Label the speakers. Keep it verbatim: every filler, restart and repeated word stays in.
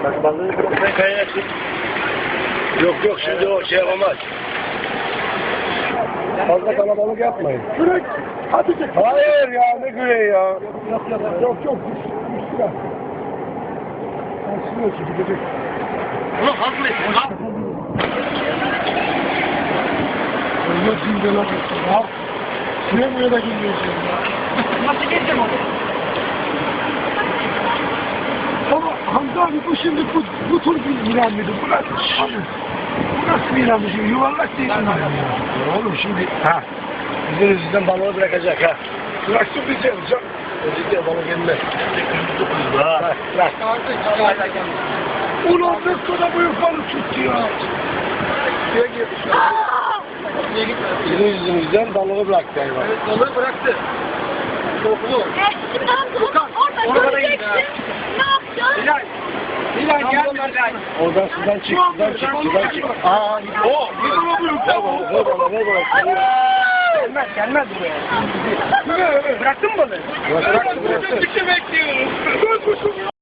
Speaker 1: Bak balığı bıraksan kaynatın. Yok yok şimdi o şey yapamaz. Fazla kalabalık yapmayın.
Speaker 2: Kürek. Hadi çek.
Speaker 1: Hayır ya ne güreği ya.
Speaker 2: Yok yok yok. Yok yok. Üstüne. Üstüne çekecek.
Speaker 1: Ulan hazırlayın lan.
Speaker 2: Yok şimdi lan. Ya. Şuraya buraya da girmeyeceğim ya.
Speaker 1: Nasıl geçeceğim onu?
Speaker 2: Ama Hamza abi bu şimdi bu, bu tür bir ilan mıydı? Bu nasıl? Abi, bu nasıl bir ilandı şimdi? Yuvarlak değil mi?
Speaker 1: Ya oğlum şimdi ha. Bizim yüzünden balığı bırakacak ha.
Speaker 2: Bıraksın bizi yapacak.
Speaker 1: Özellikle balık gelmez. Ha.
Speaker 2: Bırak. Ulan ne sonra bu yukarı tuttu ya. Suya girdi şu an.
Speaker 1: Bizim yüzümüzden balığı bıraktı hayvan.
Speaker 2: Evet balığı bıraktı. Kokulu.
Speaker 3: Orada göreceksin. Ne yapacaksın?
Speaker 2: Hilal. Hilal gelme Hilal.
Speaker 1: Oradan sudan çık, sudan çık, sudan çık. Aa, o. Ver bana, ver bana, ver bana.
Speaker 2: Gelmez, gelmez buraya. Bıraktın mı balığı?
Speaker 1: Bıraktım, bıraktım.
Speaker 2: Bekliyorum.